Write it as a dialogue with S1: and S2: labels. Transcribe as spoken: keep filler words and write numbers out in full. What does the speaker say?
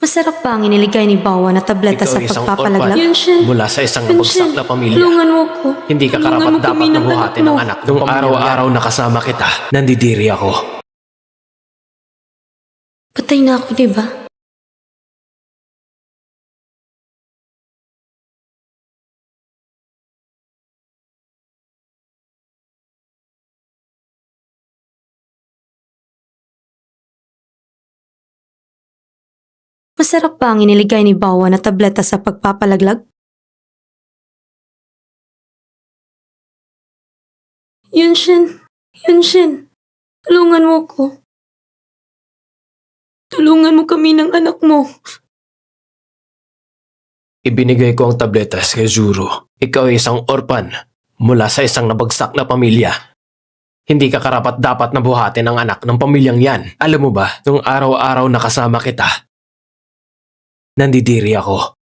S1: Masarap ba ang iniligay ni Bawa na tableta
S2: Ikaw
S1: sa
S2: ay isang
S1: pagpapalaglag?
S2: orphan
S1: Yunshin,
S2: mula sa isang
S1: Yunshin,
S2: nabagsak na pamilya.
S1: tulungan mo ko.
S2: Hindi ka
S1: Tulungan
S2: karapat
S1: mo
S2: dapat
S1: kami
S2: na
S1: ng
S2: buhatin
S1: anak
S2: ng
S1: mo.
S2: anak. Nung araw-araw nakasama kita, nandidiri ako.
S1: Patay na ako, diba? Masarap ba ang iniligay ni Bawa na tableta sa pagpapalaglag? Yunshin, Yunshin, tulungan mo ko. Tulungan mo kami ng anak mo.
S2: Ibinigay ko ang tabletas kay Zuru. Ikaw ay isang orphan mula sa isang nabagsak na pamilya. Hindi ka karapat dapat na buhatin ang anak ng pamilyang yan. Alam mo ba, nung araw-araw nakasama kita, nandidiri ako.